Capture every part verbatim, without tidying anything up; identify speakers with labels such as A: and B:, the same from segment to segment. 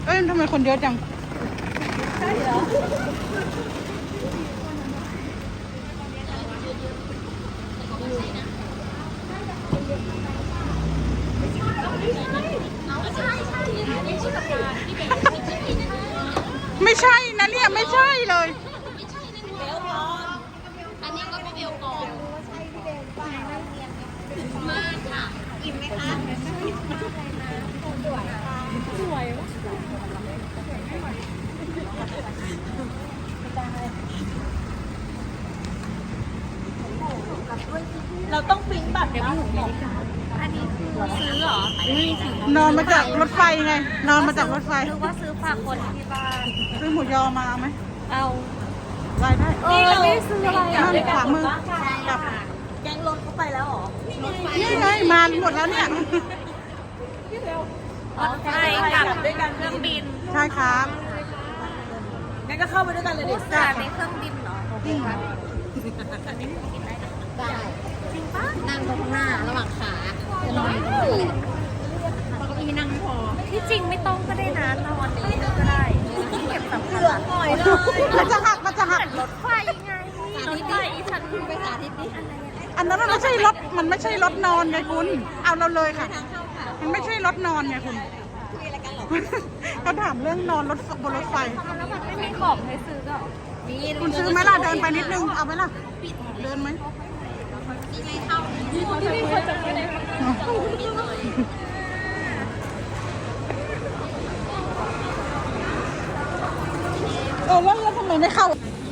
A: อ้ยทำไมคนเยอะจังใช่เหรอไม่ใช่นะเนี่ยไม่ใช่เลย
B: อันนี้ก็พี่เบลก่อนใช่พี่เบลไปมากค่ะอิ่มไหมคะสวยค่ะสวยเราต้องปริ้นบัตรเดี๋ยวพี่หนูบอกอันนี้คือซื้อเหรอน
A: อนมาจากรถไฟไงนอนมาจากรถไฟ
B: หรือว่าซื้อฝากคนที่บ้าน
A: ซื้อหมูยอมาไหม
B: เอา
A: รายได้
B: นี่เราไม่ซื้ออะไรอ่ะ
A: นั่นขวามือกับ
B: แกงรถเข้าไปแล้วหรอ
A: นี่ไงมาหมดแล้วเนี่ย
B: รถไฟกับด้วยกันเครื่องบิน
A: ใช่ครับ
B: งั้นก็เข้าไปด้วยกันเลยดิแต่ในเครื่องบินเหรอ
A: จริงค่ะ
B: ได้จริงปะนั่งตรงหน้าระหว่างขาจะนอนอยู่ตรงนั้นแหละเราก็มีนั่งพอที่จริงไม่ต้องก็ได้นะนอนในนี้ก็ได้เก็บสำคัญหน่อยเลย
A: มันจะหักมันจะหัก
B: รถไฟไงรถไฟอีฉันไปสาธิตดิ
A: อันนั้นมันไม่ใช่รถมันไม่ใช่รถนอนไงคุณเอาเราเลยค่ะมันไม่ใช่รถนอนไงคุณ
B: คุยอะไรกันหรอ
A: เขาถามเรื่องนอนรถบนรถไฟ
B: แล้วมันไม่มีของให้ซื้อก็
A: คุณซื้อไหมล่ะเดินไปนิดนึงเอาไหมล่ะเดินไหม
B: นี่ไงเข้าที่เขาจะคุยจะคุย
A: เออแล้วแล้วทำไมไม่เข้า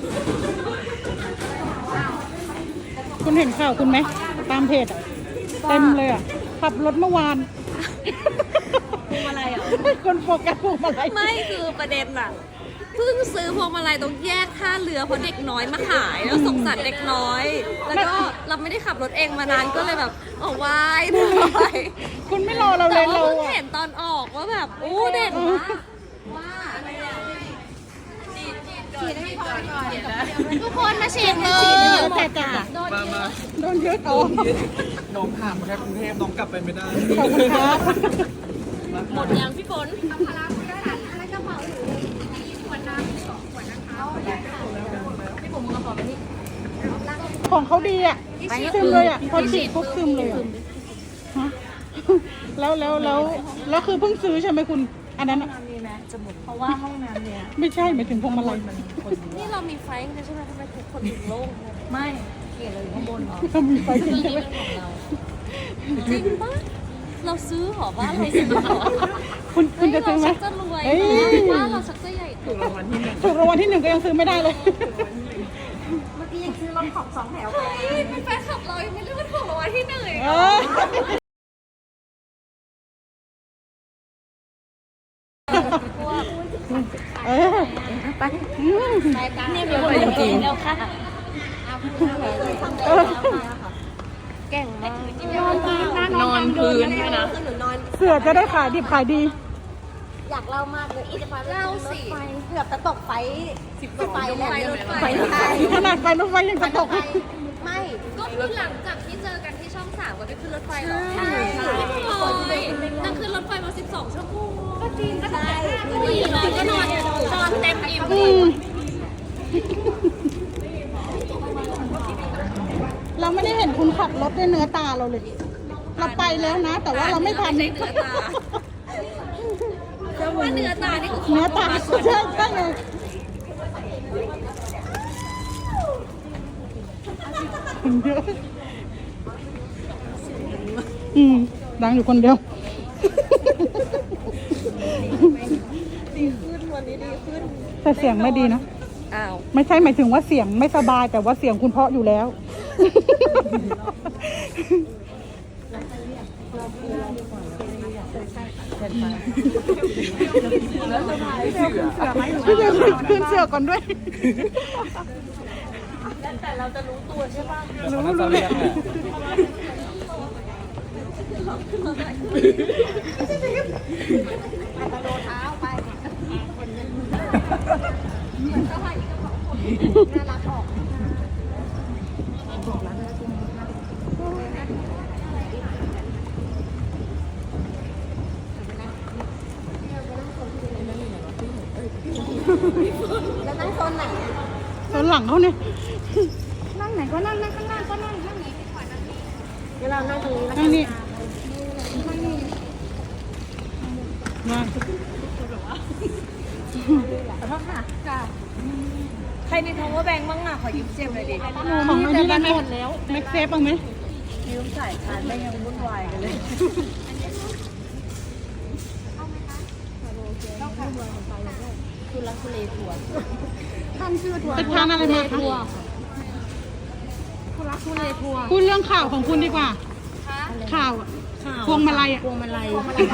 A: คุณเห็นข่าวคุณไหมตามเพจอะเต็มเลยอ่ะขับรถเมื่อวาน
B: พวงมาลัยอ่ะ
A: คนโฟกัสพวงมาลัย
B: ไม่คือประเด็นอ่ะเพิ่งซื้อพวงมาลัยตรงแยกท่าเรือเพราะเด็กน้อยมาขายแล้วสงสารเด็กน้อยแล้วก็เราไม่ได้ขับรถเองมานานก็เลยแบบโอ้วายหน่อย
A: คุณไม่รอเราเลยเรา
B: เพิ่งเห็นตอนออกว่าแบบอู้เด็กว่าว่าทุกคนมาฉีดเลย
A: แต่จ่า
C: มามา
A: โดนยึดเอา
C: น้องผ่านมาแค่กรุงเทพน้องกลับไปไม่ได้
A: ขอบคุณครับ
B: หมดยังพี่ฝนเอาพลังไปด้วยอะไรกระเป๋าหนูมีขวดน้ำสองขวดนะคะพี่ผมมึงกระเป๋าไปนี่
A: ของเขาดีอ่ะซึมเลยอ่ะพอฉีดปุ๊บซึมเลยฮะแล้วแล้วแล้วแล้วคือเพิ่งซื้อใช่ไหมคุณอันนั้น
B: มีไหมจะหมดเพราะว่าห้องน้ำเนี่ย
A: ไม่ใช่หมายถึงพวงมาลัย
B: นี่เรามีไฟกันใช่ไหมทำไมทุกคนถึงโล่งไม่เกลียดเลยข้างบนเหรอ
A: เรามีไฟจริงใช่ไหม
B: จริงปะเราซื้อหรอว่าเราซื้อหรอ
A: คุณคุณจะซื้อไหม
B: จะรวยว่าเราชักจะใหญ่
C: ถูกรางวัลที่หนึ่ง
A: ถูกรางวัลที่หนึ่งก็ยังซื้อไม่ได้เลย
B: เมื่อกี้ยังซื้อรถของสองแถวไปเป็นแฟนคลับเรายังไม่ได้ว่าถูกรางวัลที่หนึ่ง
A: เออไป
B: ไปกันเนี่ยมีคนจริงแล้วค่ะเก่งมากนอนพื้นนะ
A: เสือจะได้ขายดิบขายดี
B: อยากเล่ามากเลยอีจะพาเล่าสิเกือบจะตกไฟสิบไฟแล้วรถไฟ
A: ขนาดไฟรถไฟยังจะตก
B: ไม่ก็คือหลังจากที่เจอกันที่ช่องสามก็ไปขึ้นรถไฟแล้วใช่นั่งขึ้นรถไฟมาสิบสองชั่วโมงก็จริงก็ได้ก็ดีเลยก็นอนนอนเต็มอิ่ม
A: เราไม่ได้เห็นคุณขับรถด้วยเนื้อตาเราเลยเราไปแล้วนะแต่ว่าเราไม่ทัน
B: เนื้อตาว่าเนื้อตานี่คือ
A: เนื้อตาใช่ใช่เลยคนเยอะอืมดังอยู่คนเดียว
B: ดีขึ้นวันนี้ดีขึ้น
A: แต่เสียงไม่ดีนะ
B: อ้าว
A: ไม่ใช่หมายถึงว่าเสียงไม่สบายแต่ว่าเสียงคุณเพาะอยู่แล้วพี่เบลขึ้นเสือก่อนด้วย
B: แต่เราจะรู้ตัวใช่ป่ะ
C: รู้รู้เลย
B: อาจจะโดนเท้าไปน่ารักออก
D: แล้วนั่งโซนไหน
A: ตอนหลังเขาเนี่ย
D: นั่งไหนก็นั่งนั่งข้างล่างก็นั่งนั่งนี้ดีกว่านั่งนี้เดี๋ยวเรานั่งตรงนี้แล้ว
A: นั่งนี่มา
D: ขอโทษค่ะค่ะใครมีทองว่าแบงค์บ้างอ่ะขอยืมเจมเลยดิ
A: ของอันนี้ได้ไหมแม็กเซฟบ้างไหม
D: ยืมสายชาร์จไม่ยังวุ่นวายกันเลยคุณรักคุณเลทัวร์ท่านชื่อทัวร์
A: ไปทานอะไรมาคะ
D: คุณรักคุณเลทัวร์
A: พูดเรื่องข่าวของคุณดีกว่า ข่าวอะพวงมาลัยอ่ะ
D: พวงมาลัย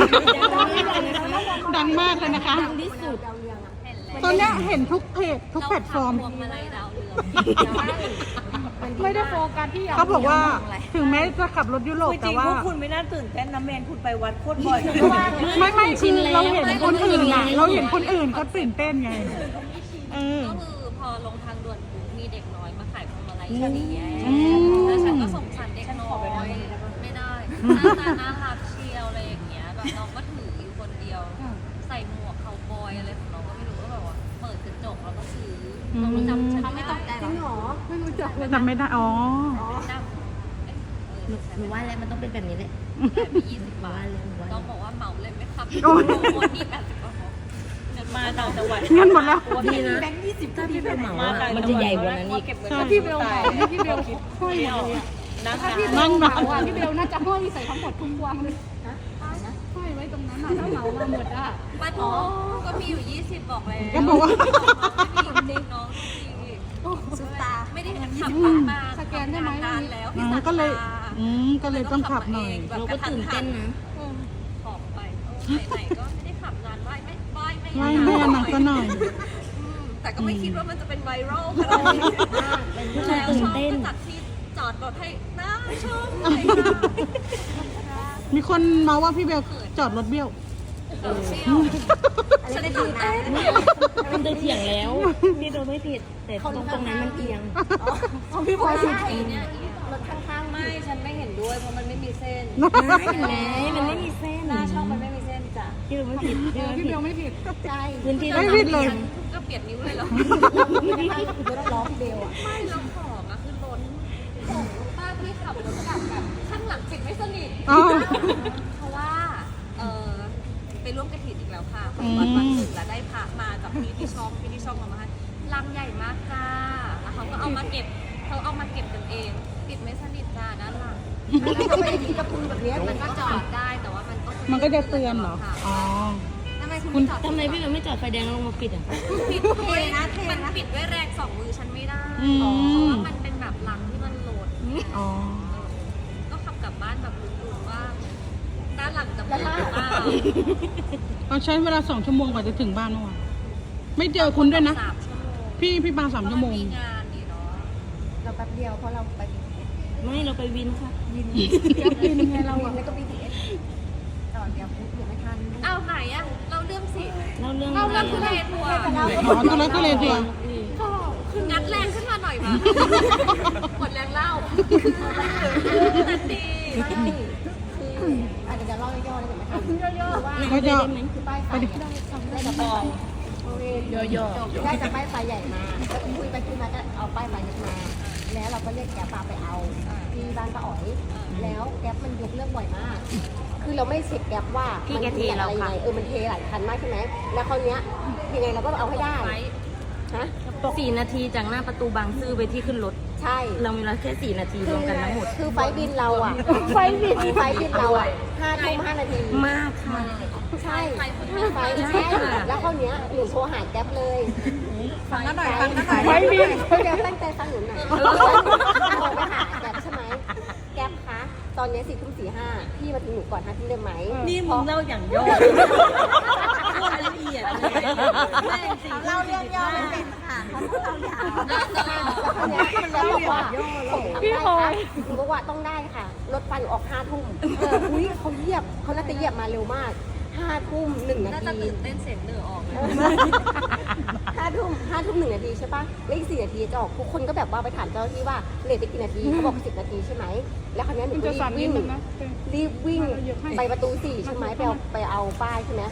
A: ดังมากเลยนะคะ
D: ดังที่สุด
A: ตอนเนี้ยเห็นทุกเพจทุกแพลตฟอร์ม
B: พวงมาลัยดาวเรือง
A: ไม่ได้โฟกัสที่เขาบอกว่าถึงแม้จะขับรถยุโรป
D: จ
A: แต่
D: ริง
A: ว่า
D: พวกคุณไม่น่าตื่นเต้นนะเมนคุณไปวัดโคตรบ่อย
A: ไม่ไม่คือเราเห็นคนอื่นอ่ะ เราเห็นคนอื่นเขาตื่นเต้นไงเออ
B: ก็คือพอลงทางด่วนปุ๊บมีเด็กน้อยมาขายพวงมาลัยฉันนี่แย่
A: อืม
B: แล้วฉันก็สงสารเด็กน้อยไม่ได้หน้าตาน่ารักเชียวอะไรอย่างเงี้ยแบบน้องก็ถืออยู่คนเดียว ใส่หมวกเขาบอยอะไรของน้องก็ไม่รู้ก็แบบว่าเปิดกระจกแล้วก็ซื้อน้องรู้จำฉันไม่ตกใจหรอ
A: จำไม่ได้อ๋อ
B: จำเอ๊ะเออ
D: หนูว่าแล้วมันต้องเป็นแบบนี้แหละ
B: แต่มียี่สิบบาทต้องบอกว่าเหมาเลยไหมครับ
A: โอ้ย
B: โอนนี่แปดสิบกว่าของเงิน
D: มา
B: มา
D: ต่างจังหวัด
A: เงินหมดแล้ว
D: ดีนะแบงค์ยี่สิบถ้าพี่ไปเหมาอะมันจะใหญ่กว่านั้นอีก
A: ใช่
D: พี่เบลเหมาพี่เบลห้อยเอานะคะ
A: นั่งมา
E: พี่เบลน่าจะห้อยใส่ทั้งหมดทุกวางเลยห้อยไว้ตรงนั้นน่ะถ้าเหมามาหมดอ่ะ
B: มาโถก็มีอยู่ยี่สิบบอกแล้ว
A: ก็บอกว่า
B: จริงน้องจริง
D: ซุปตา
B: ไม่ได้ขับรถมาสแกนได้ไหมนานแล้ว
A: อ๋อก็เลยอืมก็เลยต้องขับหน่อย
D: เราก็ตื่นเต้นนะ
B: ขอบไปไหนๆก็ไม่ได้ขับนานไหวไม่ไหวไม่
A: ไม่แม่หนักก็หน่อย
B: อืมแต่ก็ไม่คิดว่ามันจะเป็นไวรัลขนาดนี้แล้วชอบก็จัดที่จอดรถให้น่าชอบเลยค่ะ
A: มีคนมาว่าพี่เบลจอดรถเบี้ยว
B: เชี่ยวฉันได้ตื่นเต้น
D: มันได้เถียงแล้วพี่โดนไม่ผิดแต่ตรงตรงนั้นมันเอียง
B: พี่พลอยสิเนี่ย
D: รถข้างๆ
B: ไม่ ฉันไม่เห็นด้วยเพราะมันไม่มีเส้น
D: เห็นไหมมันไม่มีเส้น
B: หน้าช่องมันไม่มีเส้นจ้ะ
D: พี่โดนไม่ผิดพี่โดน
E: พี่
D: ผิ
E: เบ
D: ด
E: ลไม่ผิด
D: ใช่พื้นที่
A: ไม่ผิดเลย
B: ก็เปลี่ยนนิ้วเลยเหรอ
D: ไม่ใช่คือรถล้อพี่เบลอ่ะ
B: ไม่แล้วของอะคือล้นของป้าที่ขับรถกลับแบบข้างหลังปิดไม่สนิท
A: อ๋อ
B: เพราะว่า เออไปร่วมกระถิ่นอีกแล้วค่ะของวัดวัดหนึ่งแล้วได้พระมาจากพี่ที่ช่องพี่ที่ช่องเอามาให้ลังใหญ่มากจ้า แล้วเขาก็เอามาเก็บเขาเอามาเก็บกันเอง ปิดไม่สนิทจ้าด้านหลัง
D: แล้วก็ไม่ได้มีกระพุ้งแบบนี้
B: มันก็จอดได้แต่ว่ามันก็
A: มันก็จะเตือนเหรอ อ๋อ
B: ทำไมคุณจอด
D: ทำไมพี่เบลไม่จอดไฟแดงแล้วลงมาปิดอ่ะ
B: ปิดเลยนะมันปิดด้วยแรงสองมือฉันไม่ได้
A: อืม
B: เพราะว่ามันเป็นแบบหลังที่มันโหลด
A: อ๋อ
B: ก็ขับกลับบ้านแบบลุ้นๆว่า ด้านหลังจะเปิดหรือเปล่า
A: เราใช้เวลาสองชั่วโมงกว่าจะถึงบ้านเมื่อวานไม่เจอคุณด้วยนะ
B: สามชั่วโมง
A: พี่พี่มาสามชั่วโมง
B: มีงานนี่เนาะ
D: เราแป๊บเดียวเพราะเราไปไม่เราไปวินค่ะวิน
A: วินไงเราอะ
D: แล้วก็บีทีเอสต่อเดียวปุ๊บเดี๋ยวไม่ทัน
B: เอาไหนอะเราเรื่องสิ
D: เราเรื่อง
B: เราเรื่องทุเรศทัวร์
A: อ๋อตัวเล็กก็เลยเดียว
B: คืองัดแรงขึ้นมาหน่อยมาหมดแรงเล่าแต่ดี
D: ไม่คืออาจจะเล่าย่อๆเลยนะคะย่อๆว่า
A: เขาจะ
D: คือป้ายไฟได้จากป้ายย่อๆได้จากป้ายไฟใหญ่มาแล้วคุยไปคุยมาก็เอาป้ายไฟเล็กมา แล้วเราก็เรียกแก๊ปปาไปเอาที่บ้านป้าอ๋อย แล้วแก๊ปมันยกเรื่องบ่อยมาก คือเราไม่เช็คแก๊ปว่ามันเทอะไรยังไงเออมันเทหลายคันมากใช่ไหมแล้วคราวเนี้ยยังไงเราก็เอาให้ได้ฮะ
F: สี่นาทีจากหน้าประตูบางซื่อไปที่ขึ้นรถ
D: ใช่
F: เรามีเวลาแค่สี่นาทีรวมกันทั้งหมด
D: คือไฟบินเราอ่ะ ไฟบินไฟบินเราอ่ะห้าทุ่มห้านาที
F: มากค่ะ
D: ใช่ไฟใช่แล้วคราวเนี้ยหนูโทรหาแก๊ปเลย
E: ฟังกันหน่อยฟังกันหน่อย
D: ไฟบินแก๊ปตั้งใจฟังหนูหน่อยโทรไปหาแก๊ปใช่ไหมแก๊ปคะตอนนี้สี่ทุ่มสี่ห้าพี่มาถึงหนูก่อนห้าทุ่มได้ไหม
F: นี่มึงเล่าอย่างย่อรายละเอียดแม่จริง
D: เล่าเรื่องย่อไม่เป็นค่ะเขาพูดเรายาวแล้วบอกว่าพี่พลอยหนูบอกว่าต้องได้ค่ะ รถไฟหนูออกห้าทุ่มอุ้ยเขาเหยียบเขาน่าจะเหยียบมาเร็วมากห้าทุ่มหนึ่งนา
B: น่าจะ
D: ที
B: ตื่นเต้นเสียงเหนือออกเลย
D: ห้าทุ่มห้าทุ่มหนึ่งนาทีใช่ปะแล้วอีกสี่นาทีจะออกทุกคนก็แบบว่าไปถามเจ้าหน้าที่ว่าเลทไปกี่นาทีเขาบอกสิบนาทีใช่ไหมแล้วคราวนี้หนู
A: คุณ
D: ก็
A: จะ
D: รี
A: สั่น
D: บ
A: นิ
D: วิ่
A: ด
D: ง
A: นึงนะ
D: รีบวิ่งไปประตูสี่ใช่ไหมไปเอาไปเอาป้ายใช่ไหม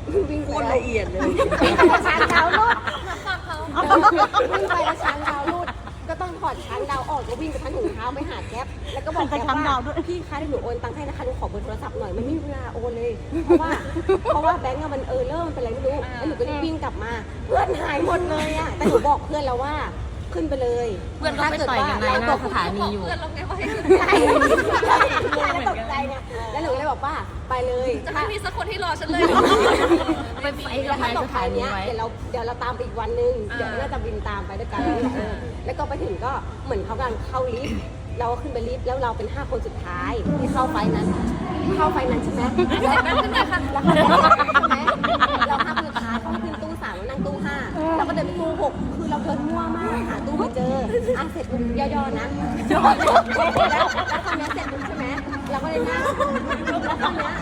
D: วิ่ง
F: โค
D: ไป
F: ตร
D: แล้ว
F: ละเอียดเลย
D: วิ่งไปแล้วช้างดาวรูด
B: ฟังเขา
D: วิ่งไปแล้วช้างดาวรูดก็ต้องถอดช้างดาวออกแล้ววิ่งไปพันถุงเท้าไปหาแก๊ปแล้วก็บอกแก๊ปว่าพี่คะเดี๋ยวหนูโอนตังค์ให้นะคะหนูขอเบอร์โทรศัพท์หน่อยมันไม่มีเวลาโอนเลยเพราะว่าเพราะว่าแบงก์อะมันเออเริ่มมันเป็นอะไรไม่รู้แล้วหนูก็รีบวิ่งกลับมาเพื่อนหายหมดเลยอะแต่หนูบอกเพื่อนแล้วว่าขึ้นไปเลย
F: เพื่อนก็ไปต่อยกันในหน้าสถานีอยู่
B: เพื่อนเราไงว่าให้ขึ้น
D: ใช่แล้วตกใจไงแล้วหนูก็เลยบอกว่าไปเลย
B: จะไม่มีสักคนที่รอฉันเลย
F: ไปไฟกั
D: แล้
F: บ
D: วน
F: าย
D: ถ้าต
F: ส
D: กใจ
F: ถานี
D: เนี้ย
F: ไว้
D: เดี๋ยวเราเดี๋ยวเราตามไปอีกวันนึงเดี๋ยวน่าจะบินตามไปด้วยกันเออแล้วก็ไปถึงก็เหมือนเขากำลังเข้าลิฟต์เราก็ขึ้นไปลิฟต์แล้วเราเป็นห้าคนสุดท้ายที่เข้าไฟนั้น เข้าไฟนั้นใช่ไหมแล้วขึ้นไปค่ะแล้วเข้าไฟใช่ไหมเราห้าคนสุดท้ายเขาขึ้นตู้สามแล้วนั่งตู้ห้าเราก็เดินไปตู้หกคือเราเดินมั่วมากหาตู้ไม่เจออ่ะเสร็จปุ๊บย่อๆนะย่อแล้วแล้วตอนนี้เสร็จปุ๊บใช่ไหมเราก็เลยนั่งแล้วตอนนี้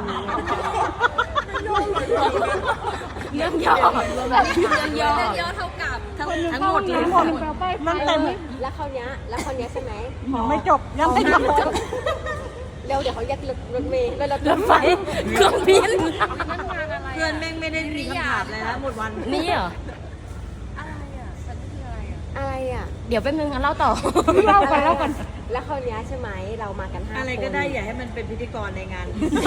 F: เรื่องย่อเรื่องย่อ
B: เยอะเท่ากับ
F: ทั้งทั้งหมดเลย
A: นั่นเต็ม
D: แล้วคราวเนี้ยแล้วคราวเนี้ยใช่ไหม
A: ไม่จบยังไม่จบ
D: เร็วเดี๋ยวเขาแยกรถรถเมล์แล้วรถ
F: รถไฟเครื่องบิน
B: นั่นงานอะไร
F: เพื่อนแม่งไม่ได้มีคำถามเลยนะหมดวันนี่เหรอ
B: อะไรอ่ะฉันคืออะไรอ่ะ
D: อะไรอ่ะ
F: เดี๋ยวแป๊บนึงงั้นเล่าต่อ
A: เล่ากันเล่ากัน
D: แล้วคราวเนี้ยใช่ไหมเรามากันห้าคน
F: อะไรก็ได้อย่าให้มันเป็นพิธีกรในงาน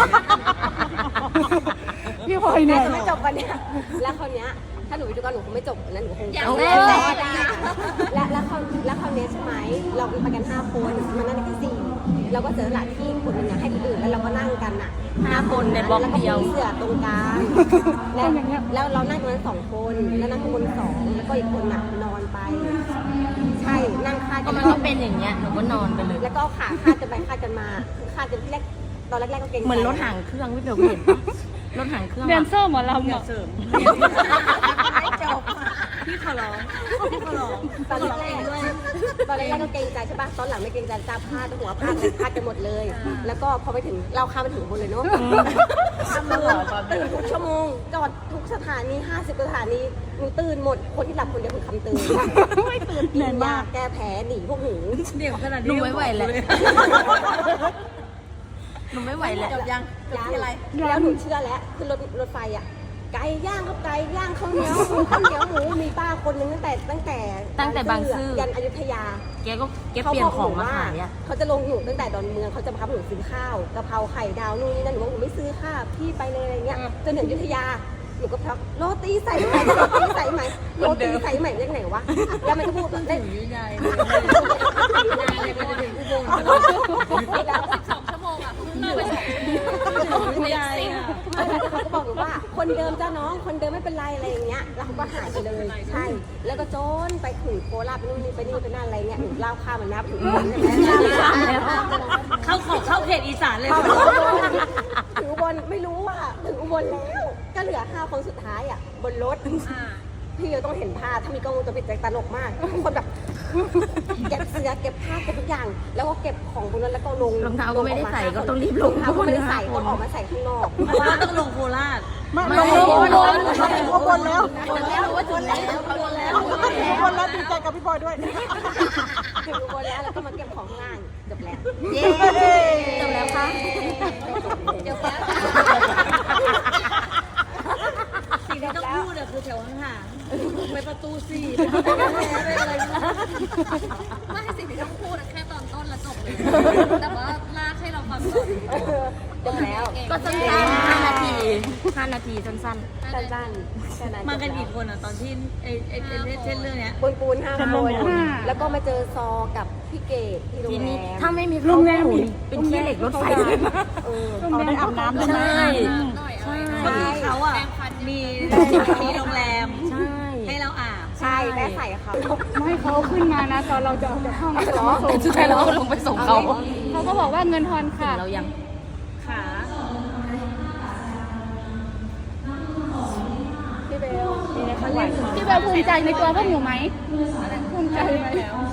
A: พี่พลอยเห
D: แม่
A: นื่อย
D: จะไม่จบวันเนี้ยแล้วคราวเนี้ยถ้าหนูไปดูกันหนูคงไม่จบอันนั้นหนูคง
B: อย่าง
D: เอา
B: แร
D: แม่
B: ก
D: ได้และแล้วคราวแล้วคราวเนี้ยใช่ไหมเราไปกันห้าคนมันนั่งที่สี่เราก็เจอหลานที่คนหนึงอะให้คนอื่นแล้วเราก็นั่งกันอ่ะ
F: ห้าคนในบล็อกเดียว
D: แล้ก็มีเสือตรงกลางแล้วแล้วเรานั่งตรงนั้นสองคนแล้วนั่งข้างบนสองแล้วก็อีกคนน่ะนอนไป ใช่นั่งคาด
F: ก็
D: กัน
F: มันก็เป็นอย่างเงี้ยหนูก็นอนไปเลย
D: แล้วก็เอาขาคาดกันไปคาดกันมาคือคาดกันที่แรกตอนแรกๆก็เกรงใจ
F: เหมือนรถหางเครื่องพี่เบลเห็นปะรถหางเครื่อง
E: แดนเซอร์หมอลำ
F: อย่า
E: อ่ะ
F: เสริมไม่จบพี่ขอร้องพี่ขอร้อง
D: ตอนแรกๆตอนแรกๆก็เกรงใจใช่ป่ะตอนหลังไม่เกรงใจจ้าพาดหัวพาดพาดกันหมดเลย แล้วก็พอไปถึงเราข้ามไปถึงบนเลยเนาะตื่นทุกชั่วโมงจอดทุกสถานีห้าสิบสถานีหนูตื่นหมดคนที่หลับคนเดียวคือคำตื่นไม่ตื่นเหนื่อยมากแก้แผลหนีพวกหนู
F: เดี๋ยวขนาดนี้หนูไม่ไหวแล้วหนูไม่ไหวแล้วจบยังจบที่อะไร
D: แล้วหนูเชื่อแล้วคือรถรถไฟอ่ะไก่ย่างก็ไก่ย่างข้าวเหนียวหมูข้าวเหนียวหมูมีป้าคนนึงตั้งแต่ตั้งแต่
F: ตั้งแต่บางซื่อ
D: ยันอยุธยา
F: แกก็แกเปลี่ยนของมาขายอ่ะ
D: เขาจะลงหนูตั้งแต่ดอนเมืองเขาจะพาหนูซื้อข้าวกะเพราไข่ดาวนู่นนี่นั่นหนูบอกหนูไม่ซื้อค่ะพี่ไปเลยอะไรเงี้ยจนถึงอยุธยาหนูก็พักโรตีใส่ไหมโรตีใส่ไหมโรตีใส่ไหมเรียกไหนวะแล้วมันก็พูดได้
F: ยุยายเลยมันจะถึงอุบล
D: แล้ว
B: สองชั่วโมงอ่ะเพิ่งเลิกไปสองชั่วโมง
F: ยุยายอ่ะ
D: เขาก็บอกหนูว่าคนเดิมจ้าน้องคนเดิมไม่เป็นไรอะไรอย่างเงี้ยแล้วเขาก็หายไปเลยใช่แล้วก็โจนไปถึงโคราชไปนู่นนี่ไปนี่ไปนั่นอะไรเงี้ยหนูเล่าข้ามมันนับถึงอุบลใช่ไหม
F: เข้าของเข้าเขตอีสานเลย
D: ถึงอุบลไม่รู้ว่าถึงอุบลแล้วก็เหลือห้าคนสุดท้ายอ่ะบนรถ
B: อ่า
D: พี่เราต้องเห็นภาพถ้ามีกล้องวงจรปิดจะตลกมากทุกคนแบบเก็บเสื้อเก็บผ้าเก็บทุกอย่าง แล้วก็เก็บของบนนั้นแล้วก็ลง
F: รองเท้าก็ไม่ได้ใส่ก็ต้องรีบล
D: รอง งเท้าก็ไม่ได้ใส่ก็ออกมาใส่ข้างนอก
F: เพราะว่าต้องลงโคราช
A: ไม่ลงลงลงลงลงบนแล้ว
D: บนแล้วว่าจุดแล้วบนแล้ว
A: บนแล้วดีใจกับพี่พลอยด้วย
D: ถึงบนแล้วแล้วก็มาเก็บของข้างล่างจบแล้ว
F: เย้จบแล้วค่ะ
D: จบแล้ว
F: สิ่งที่ต้องพูดอะคือแถวห่างๆไปประตูสี่ไปอะไร
B: ไม่สิ่งที่ต้องพูดอะแค่ตอนต้นแล้วจบเลย แต่ว่าลากให้เราฟังก่อน
D: จบแล้ว
F: ก็สั้นๆห้านาทีห้านาทีสั้น
D: สั้นๆแค่นั้น
F: ๆ มากันกี่คนอะตอนที่ไอ้ไอ้เช่นเรื่องเนี้ย
D: ปูนปูนห้าคนแล้วก็มาเจอซอกับพี่เกดที่โรง
F: ที
D: แร
F: นี้
D: ม
F: ถ้าไม่มีโรงแรมเป็นขี้เหล็กรถไฟเลยนะ
D: เออ
A: เอาได้อาบน้ำด้วย
F: ใช่
A: นะ
B: หน่อย
F: ใช่
B: เขาอะมี
F: มีโรงแรม ใช่ ให้เราอาบ
D: ใช่แม่ใส่เขา
E: ไม่ให้เขาขึ้นมานะ ตอนเราจะออกจากห้องเขาจะมาส่ง
F: แต่สุดท้ายเราก็ลงไปส่งเขา
E: เขาก็บอกว่าเงินทอนค่ะ
F: เรายังขา
D: พี่เบล
E: พี่เบลภูมิใจในตัวพวกหนูไหมภูมิใจไหม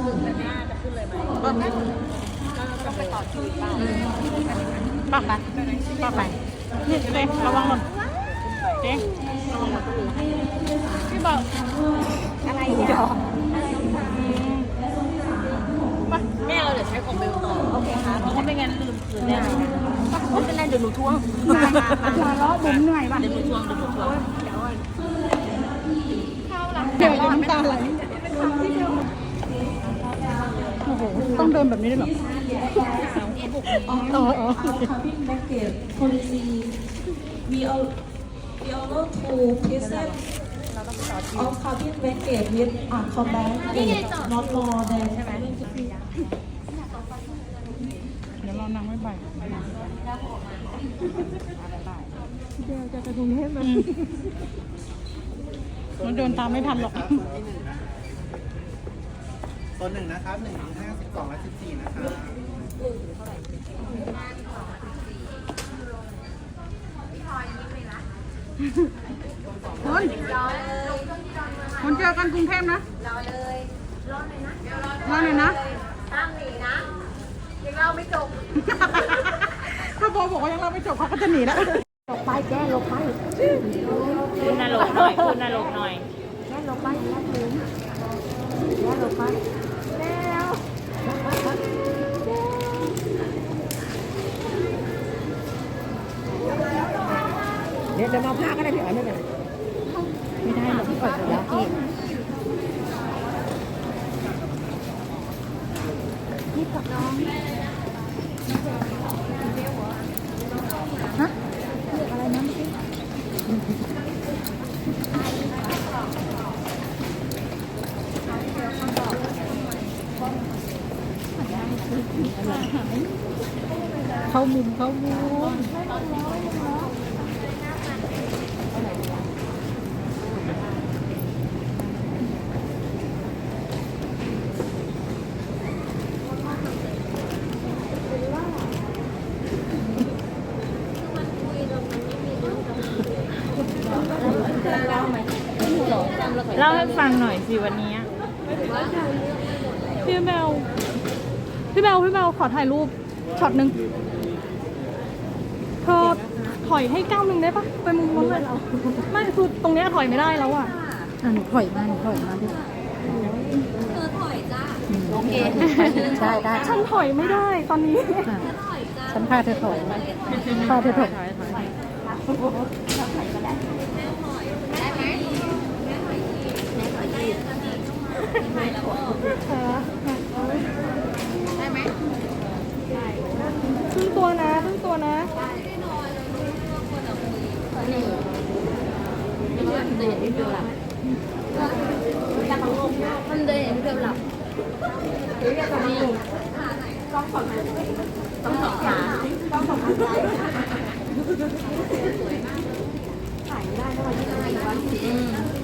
A: ปักไปปักไปนี่เจ๊ระวังหล่นเจ๊ระวังหล่น
E: พี่บอก
D: อะไรเนี่ย
A: ไปไป
F: แม่เราเดี๋ยวใช้ของเบลต่อโอเคค่ะเพราะว่าไม่งั้นลืมคืนแน่
D: ไม่เป็นไรเดี๋ยวหนูทวง
A: มาล้อบุ๋มเหนื่อยว่ะ
F: เดี๋ยวหนูทวงเดี๋ยวหนูทวง
A: เดี๋ยวน้ำตาไหลโอ้โหต้องเดินแบบนี้ด้วยเหรออ๋ออ๋อ
G: cabin baggage policy. We all we allow to present all cabin baggage with a combined age not more than
A: เดี๋ยวเรานั่งไม่ไปเดี๋ยวจะกระทุงเทพเลยมันเดินตามไม่ทันหรอก
C: ตัวหนึ่งนะครับหนึ่งถึงห้าสิบสองและสิบสี่นะครับ
A: คนคนเจอกันกรุงเทพนะ
D: รอเลยรอเลยนะ
A: รอหน่อยนะ
D: ห้ามหนีนะยังเล่าไม่จบ
A: ถ้าโบบอกว่ายังเราไม่จบเขาก็จะหนีแล้ว
D: ลงไปแก้ลงไป
F: คุณนรกหน่อยคุณนรกหน่อย
D: แก้ลงไปแก้ถึงแก้ลงไปแล้ว
A: เดี๋ยวจะมาพาก็ได้พี่อ๋อยไม่เป็นไรไม่ได้หรอกพี่อ๋อยแล้วพี่นี่กับน้องฮะเรียกอะไรนะเมื่อกี้เข้ามุมเข้ามุม
F: เล่าให้ฟังหน่อยสิวันนี้
E: พี่แมวพี่แมวพี่แมวขอถ่ายรูปช็อตหนึ่งเธอถอยให้ก้าวหนึ่งได้ปะไปมุมนู้นเลยไม่คือตรงเนี้ยถอยไม่ได้แล้วอ่ะ
A: อ่ะหนูถอยมาหนูถอยมาดิ
B: เธอถอยจ้า
A: โอเคได้ได้
E: ฉันถอยไม่ได้ตอนนี้
A: อ่ะ
B: ถอยจ้า
A: ฉันพาเธอถอยพาเธอถอย
E: ครึ่งตัวนะครึ่งตัวนะ
B: มันเลยเกือบหลับ
D: ต้องสองขาต้องสองขาซ้ายถ่ายไม่ได้นะวันที่จะไปวันที่อืม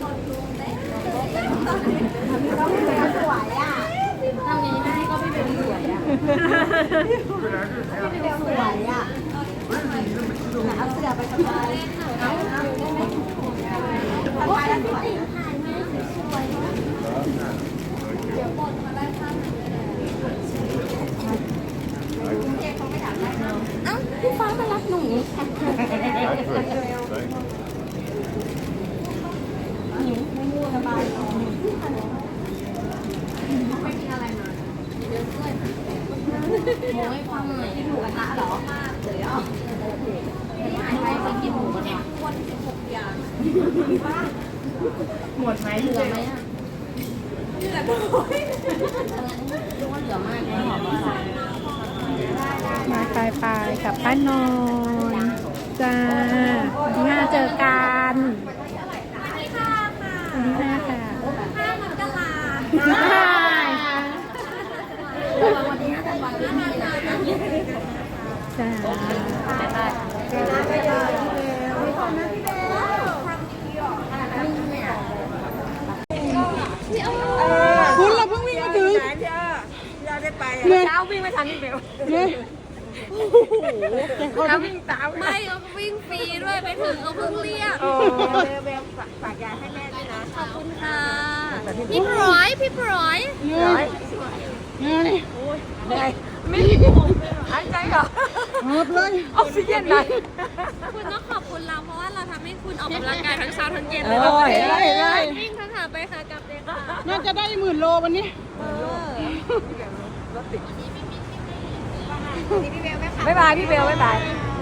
D: ต้องเป็นสวยอ่ะทำยังไงให้ก็ไม่เป็นสวยอ่ะไม่เป็นสวยอ่ะเอาเสื้อไปสบายเอาเอาได้ไหมสบายแล้วสวยเดี๋ยวบนมาได้ข้างไหนเอ้าพี่ฟ้ามารับหนูหิวไม่ง่วงสบายนอนไม่กินอะไรมาเยอะด้วยโอ้ยความเหนื่อยหมูกระทะเหรอมากเลยอ่ะที่หายไปไปกินหมูกระทะวันสิบหกอย่างหมดไหมเหลือไหมอ่ะเหลือด้วยดูว่าเหลือมากเลยหอมมาก
A: มาไปไปกับป้านอนจ้าวันที่ห้าเจอกันวันที่ห้าค่ะ
B: ห้ามกรา
D: วันนี้เป็นวันที่มีนะ
A: จ้า คุณเราเพิ่งวิ่งมาถึงเหนื่อย
F: เช้าวิ่งไม่ทันนี่เบล
A: เหนื่อยเขา
F: วิ่งตาม
B: ไม่เขาวิ่งฟรีด้วยไปถึงเขาเพิ่งเรียก
F: เบลฝากยาให้แม่ด้วยนะ
B: ขอบคุณค่ะ พี่พร้อยพี่พร้อย
A: เหนื่อยเหนื่อย
F: เหนื่อยไม่หายใจก่อน
A: หอบเลย
F: ออกซิเจนหน่อย
B: คุณต้องขอบคุณเราเพราะว่าเราทำให้คุณออกกำลังกายทั้งเช้าทั้งเย็น
F: เอ
B: เลย
F: อ
A: เห็นเลยเห็นเลย
B: วิ่งทั้งขาไปขากลับเลยค่ะ
A: น่าจะได้หมื่นโลวันนี้
F: เรถติด
D: นี่พี่เบลไม่ขับ
F: บ๊ายบายพี่เบลบ๊ายบาย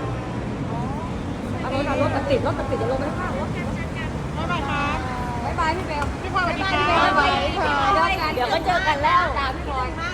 F: เอารถเอารถมันติดรถมันติดจะลงไปข้างรถ
A: บ๊ายบายครับ
F: บ๊ายบายพี่เบล
A: พี่พลอยสวัสดีครับ
F: เดี๋ยวก็เจอกันแล้ว
D: ตามพี่พลอย